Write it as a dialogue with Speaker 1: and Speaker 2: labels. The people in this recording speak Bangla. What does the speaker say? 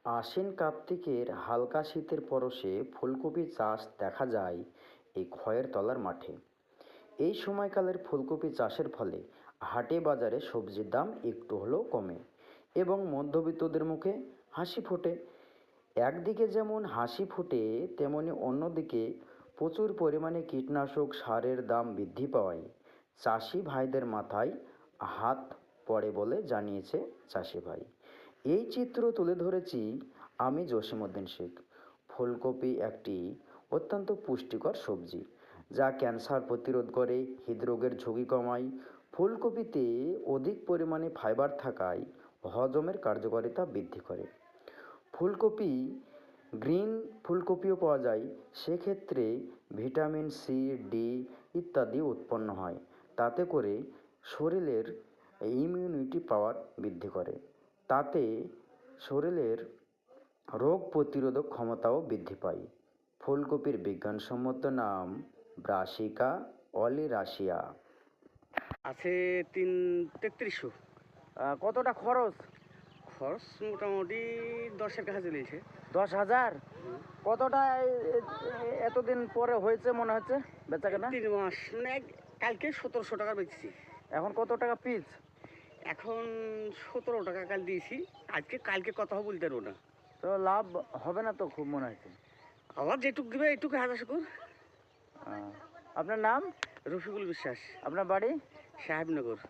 Speaker 1: আশ্বিন কার্তিকের হালকা শীতের পরশে ফুলকপি চাষ দেখা যায় এই খয়ের তলার মাঠে। এই সময়কালের ফুলকপি চাষের ফলে হাটে বাজারে সবজির দাম একটু হলেও কমে এবং মধ্যবিত্তদের মুখে হাসি ফোটে। একদিকে যেমন হাসি ফোটে, তেমনি অন্যদিকে প্রচুর পরিমাণে কীটনাশক সারের দাম বৃদ্ধি পাওয়ায় চাষি ভাইদের মাথায় হাত পড়ে বলে জানিয়েছে চাষি ভাই। এই চিত্র তুলে ধরেছি আমি জসিমউদ্দিন শেখ। ফুলকপি একটি অত্যন্ত পুষ্টিকর সবজি যা ক্যান্সার প্রতিরোধ করে, হৃদরোগের ঝুঁকি কমায়। ফুলকপিতে অধিক পরিমাণে ফাইবার থাকায় হজমের কার্যকারিতা বৃদ্ধি করে। ফুলকপি গ্রিন ফুলকপিও পাওয়া যায়, সেক্ষেত্রে ভিটামিন সি, ডি ইত্যাদি উৎপন্ন হয়, তাতে করে শরীরের ইমিউনিটি পাওয়ার বৃদ্ধি করে। তাতে শরীরের রোগ প্রতিরোধক ক্ষমতাও বৃদ্ধি পায়। ফুলকপির বিজ্ঞানসম্মত নাম ব্রাসিকা অলিরাসিয়া।
Speaker 2: আছে 3300।
Speaker 3: কতটা খরচ?
Speaker 2: খরচ মোটামুটি 10-এর কাছে চলেছে।
Speaker 3: 10,000? কতটা এতদিন পরে হয়েছে মনে হচ্ছে বেচা কেনা?
Speaker 2: 3 মাস মানে কালকে 1700 টাকা বেচছি।
Speaker 3: এখন কত টাকা পিস?
Speaker 2: এখন 17 টাকা কাল দিয়েছি। কালকে কত হবে বলতে পারবো না।
Speaker 3: তো লাভ হবে না তো খুব মনে হচ্ছে।
Speaker 2: আবার যেটুক দিবে এটুকু হাজার শুকুর।
Speaker 3: আপনার নাম?
Speaker 2: রফিকুল বিশ্বাস,
Speaker 3: আপনার বাড়ি?
Speaker 2: সাহেবনগর।